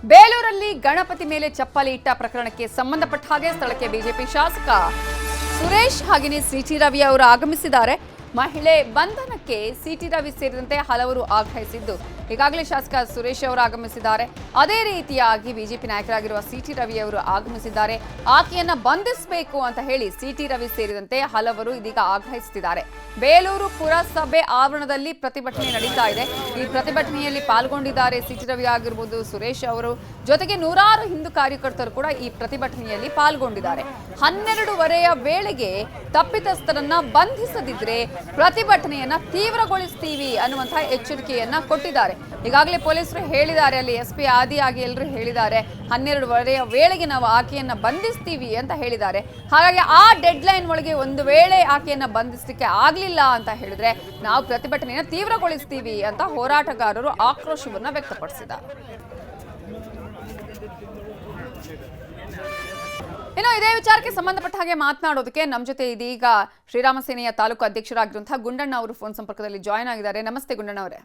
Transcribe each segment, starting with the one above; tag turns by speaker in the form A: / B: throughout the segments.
A: ಬೇಲೂರಲ್ಲಿ ಗಣಪತಿ ಮೇಲೆ ಚಪ್ಪಲಿ ಇಟ್ಟ ಪ್ರಕರಣಕ್ಕೆ ಸಂಬಂಧಪಟ್ಟ ಹಾಗೆ ಸ್ಥಳಕ್ಕೆ ಬಿಜೆಪಿ ಶಾಸಕ ಸುರೇಶ್ ಹಾಗೆಯೇ ಸಿಟಿ ರವಿ ಅವರು ಆಗಮಿಸಿದ್ದಾರೆ. ಮಹಿಳೆ ಬಂಧನಕ್ಕೆ ಸಿಟಿ ರವಿ ಸೇರಿದಂತೆ ಹಲವರು ಆಗ್ರಹಿಸಿದ್ದು ಈಗಾಗಲೇ ಶಾಸಕ ಸುರೇಶ್ ಅವರು ಆಗಮಿಸಿದ್ದಾರೆ. ಅದೇ ರೀತಿಯಾಗಿ ಬಿಜೆಪಿ ನಾಯಕರಾಗಿರುವ ಸಿಟಿ ರವಿ ಅವರು ಆಗಮಿಸಿದ್ದಾರೆ. ಆಕೆಯನ್ನ ಬಂಧಿಸಬೇಕು ಅಂತ ಹೇಳಿ ಸಿಟಿ ರವಿ ಸೇರಿದಂತೆ ಹಲವರು ಇದೀಗ ಆಗ್ರಹಿಸುತ್ತಿದ್ದಾರೆ. ಬೇಲೂರು ಪುರಸಭೆ ಆವರಣದಲ್ಲಿ ಪ್ರತಿಭಟನೆ ನಡೀತಾ ಇದೆ. ಈ ಪ್ರತಿಭಟನೆಯಲ್ಲಿ ಪಾಲ್ಗೊಂಡಿದ್ದಾರೆ ಸಿಟಿ ರವಿ ಆಗಿರ್ಬೋದು, ಸುರೇಶ್ ಅವರು, ಜೊತೆಗೆ ನೂರಾರು ಹಿಂದೂ ಕಾರ್ಯಕರ್ತರು ಕೂಡ ಈ ಪ್ರತಿಭಟನೆಯಲ್ಲಿ ಪಾಲ್ಗೊಂಡಿದ್ದಾರೆ. 12:30 ವೇಳೆಗೆ ತಪ್ಪಿತಸ್ಥರನ್ನ ಬಂಧಿಸದಿದ್ರೆ ಪ್ರತಿಭಟನೆಯನ್ನ ತೀವ್ರಗೊಳಿಸ್ತೀವಿ ಅನ್ನುವಂತಹ ಎಚ್ಚರಿಕೆಯನ್ನ ಕೊಟ್ಟಿದ್ದಾರೆ. ಈಗಾಗಲೇ ಪೊಲೀಸರು ಹೇಳಿದ್ದಾರೆ, ಅಲ್ಲಿ ಎಸ್ಪಿ ಆದಿಯಾಗಿ ಎಲ್ಲರೂ ಹೇಳಿದ್ದಾರೆ, 12:30 ವೇಳೆಗೆ ನಾವು ಆಕೆಯನ್ನ ಬಂಧಿಸ್ತೀವಿ ಅಂತ ಹೇಳಿದ್ದಾರೆ. ಹಾಗಾಗಿ ಆ ಡೆಡ್ ಲೈನ್ ಒಳಗೆ ಒಂದು ವೇಳೆ ಆಕೆಯನ್ನ ಬಂಧಿಸಲಿಕ್ಕೆ ಆಗ್ಲಿಲ್ಲ ಅಂತ ಹೇಳಿದ್ರೆ ನಾವು ಪ್ರತಿಭಟನೆಯನ್ನ ತೀವ್ರಗೊಳಿಸ್ತೀವಿ ಅಂತ ಹೋರಾಟಗಾರರು ಆಕ್ರೋಶವನ್ನ ವ್ಯಕ್ತಪಡಿಸಿದ್ದಾರೆ. ಇನ್ನು ಇದೇ ವಿಚಾರಕ್ಕೆ ಸಂಬಂಧಪಟ್ಟ ಹಾಗೆ ಮಾತನಾಡೋದಕ್ಕೆ ನಮ್ಮ ಜೊತೆ ಇದೀಗ ಶ್ರೀರಾಮ ಸೇನೆಯ ತಾಲೂಕು ಅಧ್ಯಕ್ಷರಾಗಿರುವಂತಹ ಗುಂಡಣ್ಣ ಅವರು ಫೋನ್ ಸಂಪರ್ಕದಲ್ಲಿ ಜಾಯ್ನ್ ಆಗಿದ್ದಾರೆ. ನಮಸ್ತೆ ಗುಂಡಣ್ಣ ಅವರೇ.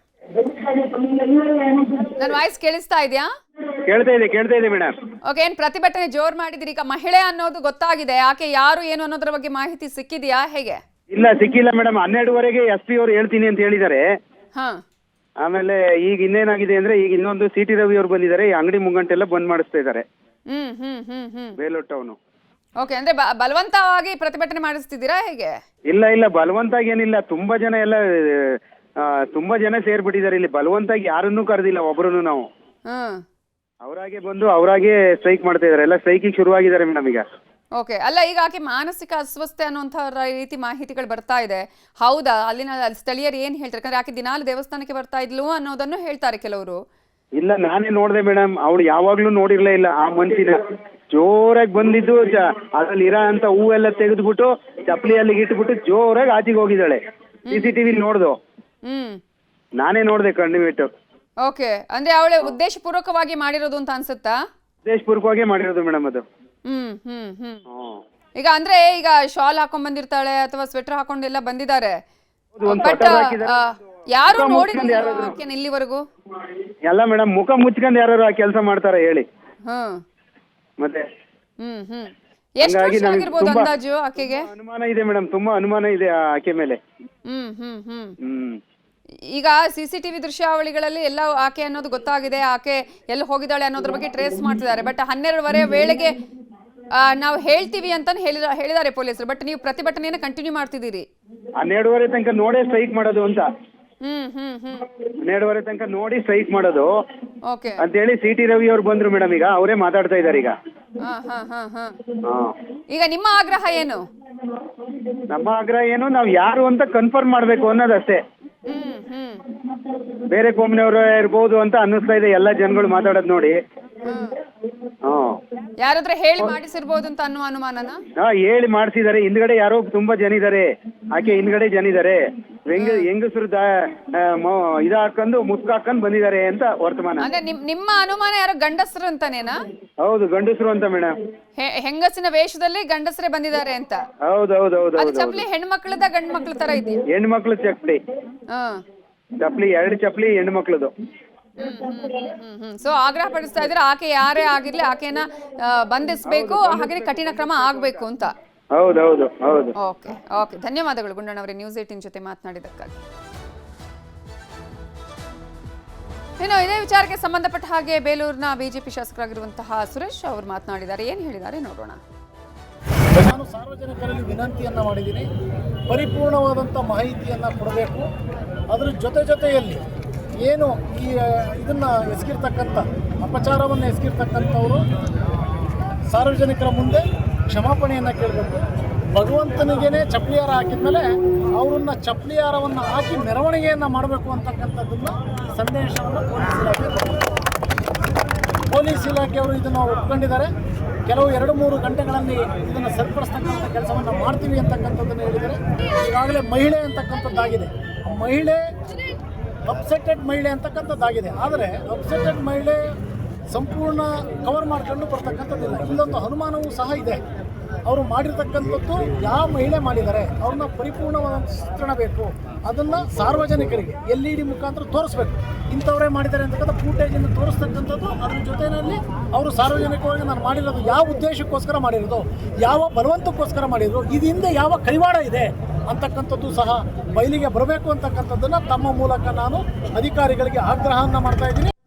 A: ನನ್ನ ವಾಯ್ಸ್ ಕೇಳಿಸ್ತಾ ಇದೆಯಾ?
B: ಕೇಳ್ತಾ ಇದೆ ಮೇಡಮ್.
A: ಓಕೆ, ಏನ್ ಪ್ರತಿಭಟನೆ ಜೋರ್ ಮಾಡಿದಿರಿ? ಈಗ ಮಹಿಳೆ ಅನ್ನೋದು ಗೊತ್ತಾಗಿದೆ, ಆಕೆ ಯಾರು ಏನು ಅನ್ನೋದ್ರ ಬಗ್ಗೆ ಮಾಹಿತಿ ಸಿಕ್ಕಿದೆಯಾ ಹೇಗೆ?
B: ಇಲ್ಲ, ಸಿಕ್ಕಿಲ್ಲ ಮೇಡಮ್. 12:30ಗೆ SP ಅವರು ಹೇಳ್ತೀನಿ ಅಂತ ಹೇಳಿದ್ದಾರೆ. ಆಮೇಲೆ ಈಗ ಇನ್ನೇನಾಗಿದೆ ಅಂದ್ರೆ ಈಗ ಇನ್ನೊಂದು ಸಿಟಿ ರವಿ ಅವರು ಬಂದಿದ್ದಾರೆ. ಈ ಅಂಗಡಿ ಮುಂಗಂಟೆಲ್ಲ ಬಂದ್ ಮಾಡಿಸ್ತಾ ಇದ್ದಾರೆ ಬೇಲೂರು ಟೌನ್.
A: ಓಕೆ, ಅಂದ್ರೆ ಬಲವಂತವಾಗಿ ಪ್ರತಿಭಟನೆ ಮಾಡಿಸ್ತಿದ್ದೀರಾ ಹೇಗೆ?
B: ಇಲ್ಲ, ಬಲವಂತಾಗಿ ಏನಿಲ್ಲ. ತುಂಬಾ ಜನ ಸೇರ್ಬಿಟ್ಟಿದ್ದಾರೆ ಇಲ್ಲಿ. ಬಲವಂತಾಗಿ ಯಾರನ್ನೂ ಕರೆದಿಲ್ಲ, ಒಬ್ರು ನಾವು ಅವರಾಗೆ ಬಂದು ಅವರಾಗೆ ಸ್ಟ್ರೈಕ್ ಮಾಡ್ತಾ ಇದಾರೆ. ಎಲ್ಲ ಸ್ಟ್ರೈಕಿಗೆ ಶುರುವಾಗಿದ್ದಾರೆ ಮೇಡಮ್ ಈಗ.
A: ಓಕೆ, ಅಲ್ಲ ಈಗ ಆಕೆ ಮಾನಸಿಕ ಅಸ್ವಸ್ಥತೆ ಅನ್ನುವಂಥ ರೀತಿ ಮಾಹಿತಿಗಳು ಬರ್ತಾ ಇದೆ, ಹೌದಾ? ಅಲ್ಲಿನ ಸ್ಥಳೀಯರು ಏನ್ ಹೇಳ್ತಾರೆ? ಯಾಕಂದ್ರೆ ಆಕೆ ದಿನಾಲು ದೇವಸ್ಥಾನಕ್ಕೆ ಬರ್ತಾ ಇದ್ಲು ಅನ್ನೋದನ್ನು ಹೇಳ್ತಾರೆ ಕೆಲವರು.
B: ಇಲ್ಲ, ನಾನೇ ನೋಡ್ದೆ ಮೇಡಮ್. ಅವಳು ಯಾವಾಗ್ಲೂ ನೋಡಿರ್ಲೇ ಇಲ್ಲ ಆ ಮನ್ಸಿನ. ಜೋರಾಗಿ ಬಂದಿದ್ದು ಅದ್ರಲ್ಲಿ ಇರೋ ಅಂತ ಹೂವೆಲ್ಲ ತೆಗೆದ್ಬಿಟ್ಟು ಚಪ್ಪಲಿ ಅಲ್ಲಿಗೆ ಇಟ್ಬಿಟ್ಟು ಜೋರಾಗಿ ಆಚೆಗೆ ಹೋಗಿದ್ದಾಳೆ. CCTV ನೋಡ್ದು, ನಾನೇ ನೋಡ್ದೆ ಕಣ್ಣಿಬಿಟ್ಟು.
A: ಓಕೆ, ಅಂದ್ರೆ ಅವಳೆ ಉದ್ದೇಶಪೂರ್ವಕವಾಗಿ ಮಾಡಿರೋದು ಅಂತ ಅನ್ಸುತ್ತಾ?
B: ಉದ್ದೇಶಪೂರ್ವಕವಾಗಿ ಮಾಡಿರೋದು ಮೇಡಮ್ ಅದು.
A: ಈಗ ಅಂದ್ರೆ ಈಗ ಶಾಲ್ ಹಾಕೊಂಡ್ ಬಂದಿರ್ತಾಳೆ ಅಥವಾ ಸ್ವೆಟರ್ ಹಾಕೊಂಡೆಲ್ಲ ಬಂದಿದ್ದಾರೆ. ಬಟ್ ಯಾರು ನೋಡಿದ್ರೆ ಇಲ್ಲಿವರೆಗೂ
B: ಎಲ್ಲ ಮೇಡಮ್ ಮುಖ ಮುಚ್ಕೊಂಡು ಯಾರು ಆ ಕೆಲಸ ಮಾಡ್ತಾರೆ ಹೇಳಿ. ಮತ್ತೆ
A: ಎಷ್ಟು ವರ್ಷ ಆಗಿರ್ಬೋದು ಅಂದಾಜು ಆಕೆಗೆ?
B: ಅನುಮಾನ ಇದೆ ಮೇಡಮ್, ತುಂಬಾ ಅನುಮಾನ ಇದೆ ಆಕೆ ಮೇಲೆ.
A: ಈಗ CCTV ದೃಶ್ಯಾವಳಿಗಳಲ್ಲಿ ಎಲ್ಲ ಆಕೆ ಅನ್ನೋದು ಗೊತ್ತಾಗಿದೆ, ಆಕೆ ಎಲ್ಲಿ ಹೋಗಿದ್ದಾಳೆ ಅನ್ನೋದ್ರ ಬಗ್ಗೆ ಟ್ರೇಸ್ ಮಾಡ್ತಿದ್ದಾರೆ. ಬಟ್ 12:30 ವೇಳೆಗೆ ನಾವು ಹೇಳ್ತೀವಿ ಅಂತ ಹೇಳಿದ್ದಾರೆ ಪೊಲೀಸರು. ಬಟ್ ನೀವು ಪ್ರತಿಭಟನೆಯನ್ನು ಕಂಟಿನ್ಯೂ ಮಾಡ್ತಿದ್ದೀರಿ.
B: 12:30 ತನಕ ನೋಡೇ ಸ್ಟ್ರೈಕ್ ಮಾಡೋದು ಅಂತ. 12:30 ತನಕ ನೋಡಿ ಸ್ಟ್ರೈಕ್ ಮಾಡೋದು ಅಂತ ಹೇಳಿ ಸಿಟಿ ರವಿ ಅವ್ರು ಬಂದ್ರು ಮೇಡಮ್. ಈಗ ಅವರೇ ಮಾತಾಡ್ತಾ ಇದ್ದಾರೆ ಈಗ.
A: ಈಗ ನಿಮ್ಮ ಆಗ್ರಹ ಏನು?
B: ನಮ್ಮ ಆಗ್ರಹ ಏನು, ನಾವು ಯಾರು ಅಂತ ಕನ್ಫರ್ಮ್ ಮಾಡ್ಬೇಕು ಅನ್ನೋದಷ್ಟೇ. ಬೇರೆ ಕೋಮ್ನವರು ಇರ್ಬೋದು ಅಂತ ಅನ್ನಿಸ್ತಾ ಇದೆ ಎಲ್ಲ ಜನಗಳು ಮಾತಾಡೋದು ನೋಡಿ.
A: ಯಾರಾದ್ರೂ ಹೇಳಿ ಮಾಡಿಸಿರ್ಬೋದು ಅಂತ ಅನ್ನೋ ಅನುಮಾನನ?
B: ಹೇಳಿ ಮಾಡಿಸಿದ್ದಾರೆ. ಹಿಂದ್ಗಡೆ ಯಾರೋ ತುಂಬಾ ಜನ ಇದಾರೆ, ಆಕೆ ಹಿಂದ್ಗಡೆ ಜನ ಇದಾರೆ. ಹೆಂಗಸರು ಇದ ಹಾಕೊಂಡು ಮುಸ್ಕ ಹಾಕೊಂಡ್ ಬಂದಿದ್ದಾರೆ ಅಂತ ವರ್ತಮಾನ.
A: ಅಂದ್ರೆ ನಿಮ್ಮ ಅನುಮಾನ ಯಾರೋ ಗಂಡಸರು ಅಂತಾನೇನಾ?
B: ಹೌದು, ಗಂಡಸರು ಅಂತ ಮೇಡಮ್.
A: ಹೆಂಗಸಿನ ವೇಷದಲ್ಲಿ ಗಂಡಸರೇ ಬಂದಿದ್ದಾರೆ ಅಂತ?
B: ಹೌದು.
A: ಚಪ್ಲಿ ಹೆಣ್ಮಕ್ಳದ ಗಂಡ್ ಮಕ್ಳ ತರ ಇದೆಯಾ?
B: ಹೆಣ್ಮಕ್ಳು ಚಪ್ಲಿ. ಚಪ್ಲಿ 2 ಚಪ್ಲಿ ಹೆಣ್ಮಕ್ಳದು.
A: ಸೊ ಆಗ್ರಹ ಪಡಿಸ್ತಾ ಇದ್ರೆ ಆಕೆ ಯಾರೇ ಆಗಿರ್ಲಿ ಆಕೆನ ಬಂಧಿಸಬೇಕು, ಹಾಗೆ ಕಠಿಣ ಕ್ರಮ ಆಗ್ಬೇಕು ಅಂತ.
B: ಹೌದು.
A: ಓಕೆ, ಧನ್ಯವಾದಗಳು ಗುಂಡಣ್ಣ ಅವರೇ ನ್ಯೂಸ್ 18 ಜೊತೆ ಮಾತನಾಡಿದ್ದಕ್ಕಾಗಿ. ಇನ್ನು ಇದೇ ವಿಚಾರಕ್ಕೆ ಸಂಬಂಧಪಟ್ಟ ಹಾಗೆ ಬೇಲೂರಿನ ಬಿಜೆಪಿ ಶಾಸಕರಾಗಿರುವಂತಹ ಸುರೇಶ್ ಅವರು ಮಾತನಾಡಿದ್ದಾರೆ. ಏನು ಹೇಳಿದ್ದಾರೆ ನೋಡೋಣ.
C: ನಾನು ಸಾರ್ವಜನಿಕರಲ್ಲಿ ವಿನಂತಿಯನ್ನು ಮಾಡಿದ್ದೀನಿ, ಪರಿಪೂರ್ಣವಾದಂಥ ಮಾಹಿತಿಯನ್ನು ಕೊಡಬೇಕು. ಅದರ ಜೊತೆಯಲ್ಲಿ ಏನು ಇದನ್ನು ಎಸಗಿರ್ತಕ್ಕಂಥ ಅಪಚಾರವನ್ನು ಎಸಗಿರ್ತಕ್ಕಂಥವರು ಸಾರ್ವಜನಿಕರ ಮುಂದೆ ಕ್ಷಮಾಪಣೆಯನ್ನು ಕೇಳಬೇಕು. ಭಗವಂತನಿಗೇನೆ ಚಪ್ಪಲಿಹಾರ ಹಾಕಿದ್ಮೇಲೆ ಅವರನ್ನು ಚಪ್ಪಲಿಹಾರವನ್ನು ಹಾಕಿ ಮೆರವಣಿಗೆಯನ್ನು ಮಾಡಬೇಕು ಅಂತಕ್ಕಂಥದ್ದನ್ನು ಸಂದೇಶವನ್ನು ಪೊಲೀಸ್ ಇಲಾಖೆಯವರು ಇದನ್ನು ಒಪ್ಕೊಂಡಿದ್ದಾರೆ. ಕೆಲವು 2-3 ಗಂಟೆಗಳಲ್ಲಿ ಇದನ್ನು ಸರಿಪಡಿಸ್ತಕ್ಕಂಥ ಕೆಲಸವನ್ನು ಮಾಡ್ತೀವಿ ಅಂತಕ್ಕಂಥದ್ದನ್ನು ಹೇಳಿದ್ದಾರೆ. ಈಗಾಗಲೇ ಮಹಿಳೆ ಅಂತಕ್ಕಂಥದ್ದಾಗಿದೆ. ಮಹಿಳೆ ಅಪ್ಸೆಟೆಡ್ ಮಹಿಳೆ ಅಂತಕ್ಕಂಥದ್ದಾಗಿದೆ. ಆದರೆ ಅಪ್ಸೆಟೆಡ್ ಮಹಿಳೆ ಸಂಪೂರ್ಣ ಕವರ್ ಮಾಡ್ಕೊಂಡು ಬರ್ತಕ್ಕಂಥದ್ದಿಲ್ಲ. ಇಲ್ಲೊಂದು ಅನುಮಾನವೂ ಸಹ ಇದೆ. ಅವರು ಮಾಡಿರ್ತಕ್ಕಂಥದ್ದು ಯಾವ ಮಹಿಳೆ ಮಾಡಿದ್ದಾರೆ ಅವ್ರನ್ನ ಪರಿಪೂರ್ಣವಾದ ಚಿತ್ರಣ ಬೇಕು. ಅದನ್ನು ಸಾರ್ವಜನಿಕರಿಗೆ LED ಮುಖಾಂತರ ತೋರಿಸ್ಬೇಕು. ಇಂಥವರೇ ಮಾಡಿದ್ದಾರೆ ಅಂತಕ್ಕಂಥ ಫೂಟೇಜನ್ನು ತೋರಿಸ್ತಕ್ಕಂಥದ್ದು. ಅದ್ರ ಜೊತೆಯಲ್ಲಿ ಅವರು ಸಾರ್ವಜನಿಕವಾಗಿ ನಾನು ಮಾಡಿರೋದು ಯಾವ ಉದ್ದೇಶಕ್ಕೋಸ್ಕರ ಮಾಡಿರೋದು, ಯಾವ ಬಲವಂತಕ್ಕೋಸ್ಕರ ಮಾಡಿದ್ರು, ಇದರಿಂದ ಯಾವ ಕೈವಾಡ ಇದೆ ಅಂತಕ್ಕಂಥದ್ದು ಸಹ ಬಯಲಿಗೆ ಬರಬೇಕು ಅಂತಕ್ಕಂಥದ್ದನ್ನು ತಮ್ಮ ಮೂಲಕ ನಾನು ಅಧಿಕಾರಿಗಳಿಗೆ ಆಗ್ರಹವನ್ನು ಮಾಡ್ತಾ ಇದ್ದೀನಿ.